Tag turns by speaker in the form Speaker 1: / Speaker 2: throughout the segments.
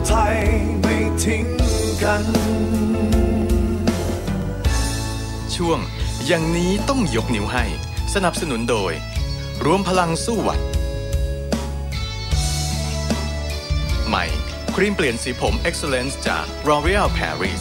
Speaker 1: ไทยไม่ทิ้งกัน
Speaker 2: ช่วงอย่างนี้ต้องยกนิ้วให้สนับสนุนโดยรวมพลังสู้หวัดใหม่ครีมเปลี่ยนสีผม Excellence จาก L'Oréal Paris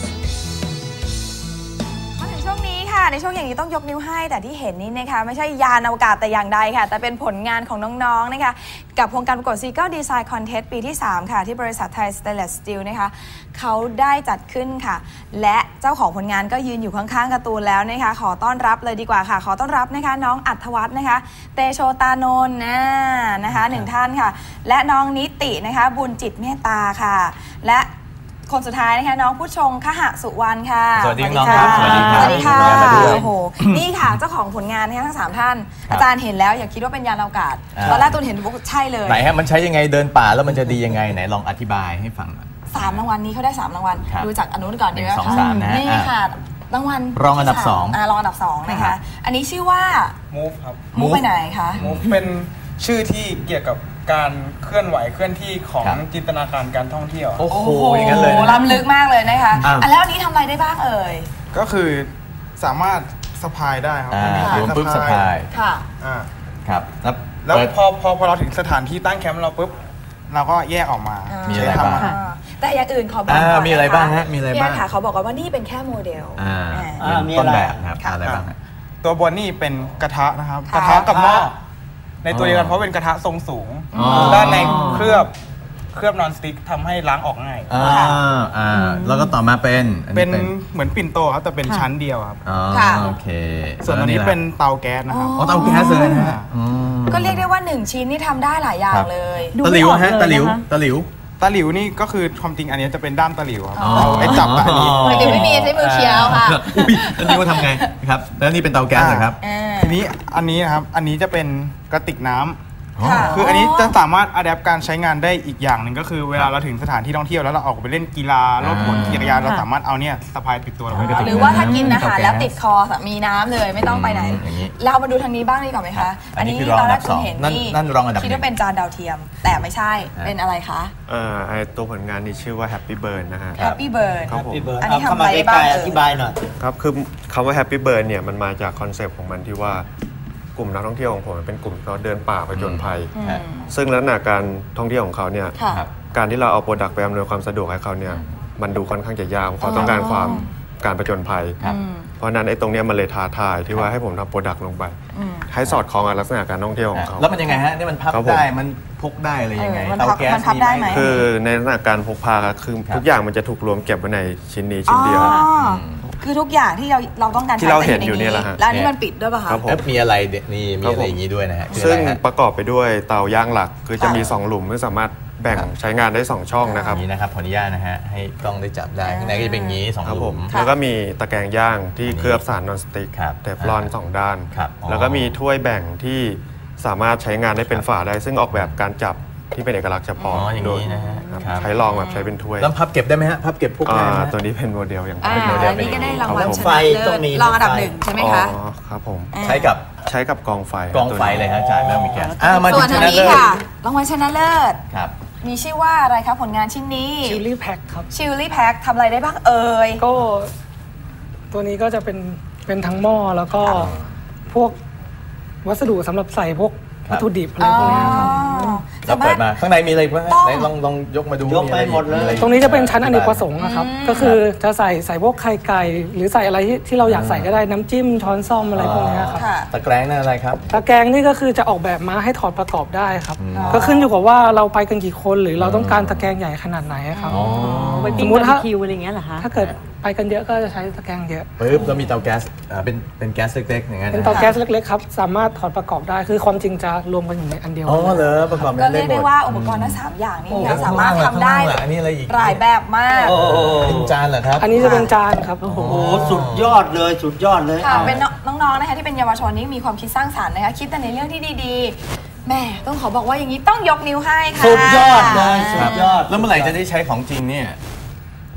Speaker 3: ในช่วงอย่างนี้ต้องยกนิ้วให้แต่ที่เห็นนี้นะคะไม่ใช่ยานอวกาศแต่อย่างใดค่ะแต่เป็นผลงานของน้องๆนะคะกับโครงการประกวด Seagull Design Contest ปีที่3ค่ะที่บริษัทไทย Stainless Steel นะคะเขาได้จัดขึ้นค่ะและเจ้าของผลงานก็ยืนอยู่ข้างๆการ์ตูนแล้วนะคะขอต้อนรับเลยดีกว่าค่ะขอต้อนรับนะคะน้องอัธวัฒน์นะคะเตโชตานนท์นะคะ1ท่านค่ะและน้องนิตินะคะบุญจิตเมตตาค่ะและคนสุดท้ายนะคะน้องผู้ชงคหสุวรรณค่ะ
Speaker 4: สวัสดีน้องครับสวัสดีครับ
Speaker 3: สวัสดีค่ะโอ้โหนี่ค่ะเจ้าของผลงานนะคะทั้ง3ท่านอาจารย์เห็นแล้วอย่าคิดว่าเป็นยานอวกาศตอนแรกตูนเห็นใช่เลย
Speaker 4: ไหนฮะมันใช้ยังไงเดินป่าแล้วมันจะดียังไงไหนลองอธิบายให้ฟังหน่อย
Speaker 3: 3รางวัลนี้เขาได้3รางวัลดูจากอนุก่อนดีไหมคะนี่ค่ะรางวัล
Speaker 4: รองอันดับ2
Speaker 3: รองอันดับ2นะคะอันนี้ชื่อว่า
Speaker 5: Move ครับ
Speaker 3: Move ไปไหนคะ
Speaker 5: Move เป็นชื่อที่เกี่ยวกับการเคลื่อนไหวเคลื่อนที่ของจินตนาการการท่องเที่ยว
Speaker 4: โอ้โหอย่างนั้นเลย
Speaker 3: ล้ำลึกมากเลยนะคะแล้วอันนี้ทำอะไรได้บ้างเอ่ย
Speaker 5: ก็คือสามารถสะพายได้ครับ
Speaker 4: ปุ๊บสะพาย
Speaker 3: ค่ะ
Speaker 4: ครับ
Speaker 5: แล้วพอเราถึงสถานที่ตั้งแคมป์เราปุ๊บเราก็แยกออกมา
Speaker 4: มีอะไรบ้าง
Speaker 3: แต่อย่างอื่นขอบอก
Speaker 4: มีอะไรบ้างฮะมีอะไรบ้าง
Speaker 3: ค่ะเขาบอกว่านี่เป็นแค่โมเดล
Speaker 4: มีต้นแบบครับอะไรบ้าง
Speaker 5: ตัวบนนี่เป็นกระทะนะครับกระทะกับหม้อในตัวเดียวกันเพราะเป็นกระทะทรงสูงด้านในเคลือบนอนสติ๊กทำให้ล้างออกง่าย
Speaker 4: แล้วก็ต่อมาเป็น
Speaker 5: เหมือนปิ่นโตครับแต่เป็นชั้นเดียวครับ
Speaker 4: โอเค
Speaker 5: ส่วนอันนี้เป็นเตาแก๊สนะครับ
Speaker 4: เตาแก๊สเลยนะฮะ
Speaker 3: ก็เรียกได้ว่า1ชิ้นนี่ทำได้หลายอย่างเลย
Speaker 4: ตะหลิวฮะตะหลิว
Speaker 5: นี่ก็คือความจริงอันนี้จะเป็นด้ามตะหลิวครับเอาไว้จับอันนี้
Speaker 3: ตะหลิวไม่มีใช้มือเคี้ยวค่ะ
Speaker 4: อันนี้ว่าทำไงครับแล้วนี่เป็นเตาแก๊สเหรอครับ
Speaker 5: ทีนี้อันนี้นะครับอันนี้จะเป็นกระติกน้ำคืออันนี้จะสามารถอัดแอปการใช้งานได้อีกอย่างหนึ่งก็คือเวลาเราถึงสถานที่ท่องเที่ยวแล้วเราออกไปเล่นกีฬารถบนจักรยานเราสามารถเอาเนี่ยสะพายติดตัวเรา
Speaker 3: หรือว่าถ้ากินอาหารแล้วติดคอมีน้ำเลยไม่ต้องไปไหนเรามาดูทางนี้บ้างดีกว่าไหมคะ
Speaker 4: อันนี้ตอนแรกคุณเห็นนั่นรองอันดับ
Speaker 3: คิดว่าเป็นจานดาวเทียมแต่ไม่ใช่เป็นอะไรคะ
Speaker 6: ตัวผลงานนี้ชื่อว่า Happy Bird นะฮะ
Speaker 3: Happy Bird
Speaker 6: ครับผม
Speaker 3: อันนี้ทำอะไรบ้าง
Speaker 7: อธิบายหน่อย
Speaker 6: ครับคือคำว่า Happy Bird เนี่ยมันมาจากคอนเซปต์ของมันที่ว่ากลุ่มนักท่องเที่ยวของผมเป็นกลุ่มเขาเดินป่าผจญภัยซึ่งลักษณะการท่องเที่ยวของเขาเนี่ยการที่เราเอาโปรดักต์ไปอำนวยความสะดวกให้เขาเนี่ยมันดูค่อนข้างจะยากเขาต้องการการผจญภัยเพราะนั้นไอ้ตรงนี้มันเลยท้าทายที่ว่าให้ผมทำโปรดักต์ลงไปให้สอดคล้องกับลักษณะการท่องเที่ยวของเขา
Speaker 4: แล้วมันยังไงฮะนี่มันพับได้มันพกได้เลยยังไงเตาแก๊ส
Speaker 3: มีไหม
Speaker 6: คือในลักษณะการพกพาคือทุกอย่างมันจะถูกรวมเก็บไว้ในชิ้นนี้ชิ้นเดียว
Speaker 3: คือทุกอย่างที่เราต้องการ
Speaker 6: ที่เราเห็นอยู่นี่แหละฮะ
Speaker 3: แล้วนี่มันปิดด้วยป่ะคะ
Speaker 4: มีอะไรนี่มีอะไรอย่างนี้ด้วยนะฮะ
Speaker 6: ซึ่งประกอบไปด้วยเตาย่างหลักคือจะมี2หลุมที่สามารถแบ่งใช้งานได้2ช่องนะครับ
Speaker 4: นี่นะครับขออนุญาตนะฮะให้กล้องได้จับได้ข้างในก็จะเป็นอย่างนี้2หลุม
Speaker 6: แล้วก็มีตะแกรงย่างที่เคลือบสารนอนสติ๊กเทฟลอน2ด้านแล้วก็มีถ้วยแบ่งที่สามารถใช้งานได้เป็นฝาได้ซึ่งออกแบบการจับที่เป็นเอกลักษณ์เฉพาะ
Speaker 4: อย่างนี้นะฮะ
Speaker 6: ใช้รองแบบใช้เป็นถ้วย
Speaker 4: แล้วพับเก็บได้ไหมฮะพับเก็บพวกนี้
Speaker 6: ตัวนี้เป็นโมเดลอย่าง
Speaker 3: เป็นโมเดลนี่ก็ได้รางวัลชนะเลิศรองอันดับ1ใช่ไหมคะ
Speaker 6: ครับผม
Speaker 4: ใช้กับ
Speaker 6: กองไฟ
Speaker 4: เลยฮะจ่ายไม่มีแก๊ส
Speaker 3: ส่วนอันนี้ค่ะรางวัลชนะเลิศ
Speaker 4: ครับ
Speaker 3: มีชื่อว่าอะไรครับผลงานชิ้นนี้
Speaker 7: ชิลลี่แพ็คครับ
Speaker 3: ชิลลี่แพ็คทำอะไรได้บ้างเอ่ย
Speaker 7: ก็ตัวนี้ก็จะเป็นทั้งหม้อแล้วก็พวกวัสดุสำหรับใส่พวกวัตถุดิบอะไรพวกนี้ครับ
Speaker 4: เราเปิดมาข้างในมีอะไรบ้างไหนลองยกมาดู
Speaker 7: ยกไปหมดเลยตรงนี้จะเป็นชั้นอเนกประสงค์นะครับก็คือจะใส่พวกไข่ไก่หรือใส่อะไรที่เราอยากใส่ก็ได้น้ำจิ้มช้อนส้อมอะไรพวกนี้ครับ
Speaker 4: ตะแกรงนั่นอะไรครับ
Speaker 7: ตะแกรงนี่ก็คือจะออกแบบมาให้ถอดประกอบได้ครับก็ขึ้นอยู่กับว่าเราไปกันกี่คนหรือเราต้องการตะแกรงใหญ่ขนาดไหนครับสมมติถ้าคิวอะไรเงี้ยเหรอคะถ้าเกิดไปกันเยอะก็จะใช้ตะแกรงเยอะ
Speaker 4: ปึ๊บแล้วมีเตาแก๊สเป็นแก๊สเล็กๆอย่างเงี้ย
Speaker 7: เป็นเตาแก๊สเล็กๆครับสามารถถอดประกอบได้คือความจริงจะรวมกันอยู่ในอันเดียว
Speaker 4: เหรอประกอบ
Speaker 3: ก็เรียกได้ว่าอุปกรณ์ทั้ง3อย่างนี้สามารถทำได้หลายแบบมาก
Speaker 4: เป็นจานเหรอครับ
Speaker 7: อันนี้จะเป็นจานครับ
Speaker 8: โอ้โหสุดยอดเลย
Speaker 3: เป็นน้องๆนะคะที่เป็นเยาวชนนี่มีความคิดสร้างสรรค์นะคะคิดแต่ในเรื่องที่ดีๆแม่ต้องขอบอกว่าอย่างนี้ต้องยกนิ้วให้ค่ะ
Speaker 8: สุดยอดเลยสุดยอด
Speaker 4: แล้วเมื่อไหร่จะได้ใช้ของจริงเนี่ย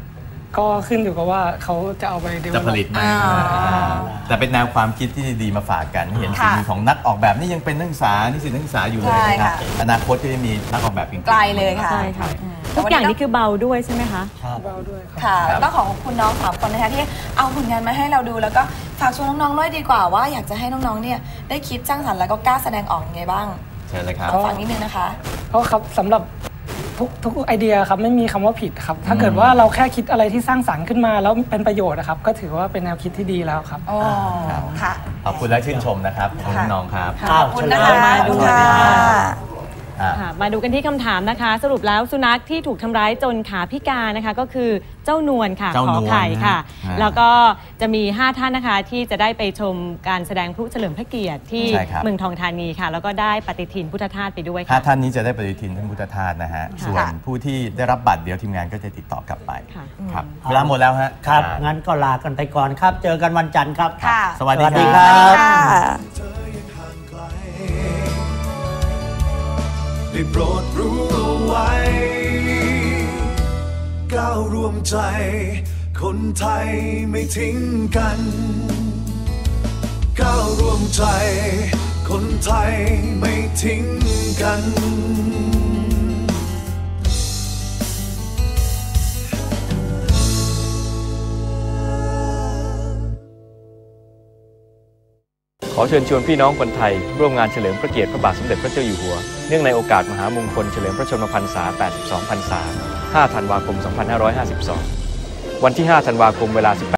Speaker 7: ก็ขึ้นอยู่กับว่าเขาจะเอาไปเดเวลลอป
Speaker 4: จะผลิตไหมแต่เป็นแนวความคิดที่ดีมาฝากกันให้เห็นฝีมือของนักออกแบบนี่ยังเป็นนักศึกษานิสิตนักศึกษาอยู่เลยนะครับอนาคตก็จะมีนักออกแบบเก่งๆ
Speaker 3: ไกลเลยค่ะ
Speaker 9: ใช่ค่ะทุกอย่างนี่คือเบาด้วยใช่ไหมคะ
Speaker 7: เบาด้วยครับ
Speaker 3: ค่ะต้องของคุณน้อง3 คนนะคะที่เอาผลงานมาให้เราดูแล้วก็ฝากชวนน้องๆด้วยดีกว่าว่าอยากจะให้น้องๆเนี่ยได้คิดสร้างสรรค์แล้วก็กล้าแสดงออกยังไงบ้าง
Speaker 4: เชิญเลยครับ
Speaker 3: ฝากนิดนึงนะคะ
Speaker 7: เพราะครับสำหรับทุกไอเดียครับไม่มีคำว่าผิดครับถ้าเกิดว่าเราแค่คิดอะไรที่สร้างสรรค์ขึ้นมาแล้วเป็นประโยชน์นะครับก็ถือว่าเป็นแนวคิดที่ดีแล้วครับ
Speaker 3: อ๋อค่ะ
Speaker 4: ขอบคุณและชื่นชมนะครับขอบคุณน้องครับ
Speaker 3: ขอบคุณนะคะ
Speaker 9: ขอบคุณค่ะ
Speaker 4: อ่ะ
Speaker 9: มาดูกันที่คำถามนะคะ สรุปแล้วสุนัขที่ถูกทำร้ายจนขาพิการนะคะก็คือเจ้านวลค่ะ
Speaker 4: เจ้า
Speaker 9: ข
Speaker 4: น
Speaker 9: อ
Speaker 4: วล
Speaker 9: ไข่ค่ะ
Speaker 4: นะ
Speaker 9: แล้วก็จะมี5ท่านนะคะที่จะได้ไปชมการแสดงพลุเฉลิมพระเกียรติที่
Speaker 4: ใช่ครับ
Speaker 9: เมืองทองธานีค่ะ แล้วก็ได้ปฏิทินพุทธทาสไปด้วย
Speaker 4: ห้า
Speaker 9: ค่ะ
Speaker 4: ท่านนี้จะได้ปฏิทินท่านพุทธทาสนะฮะ ส่วนผู้ที่ได้รับบัตรเดี๋ยวทีมงานก็จะติดต่อกลับไป
Speaker 9: ค่ะ
Speaker 4: ครับเวลาหมดแล้วฮะ
Speaker 8: ครับ งั้นก็ลากันไปก่อนครับ เจอกันวันจันทร์ครับ
Speaker 3: ค่ะ
Speaker 4: สวัสดี
Speaker 8: สวัสดี
Speaker 4: ค
Speaker 8: ครั
Speaker 4: รับ
Speaker 8: บ
Speaker 3: ค่ะ
Speaker 1: เธอยังห่างไกลได้โปรดรู้เอาไว้ ก้าวร่วมใจ คนไทยไม่ทิ้งกัน ก้าวร่วมใจ คนไทยไม่ทิ้งกัน
Speaker 10: ขอเชิญชวนพี่น้องคนไทยร่วมงานเฉลิมพระเกียรติพระบาทสมเด็จพระเจ้าอยู่หัวเนื่องในโอกาสมหามงคลเฉลิมพระชนมพรรษา 82 พรรษา 5 ธันวาคม 2552 วันที่ 5 ธันวาคมเวลา 18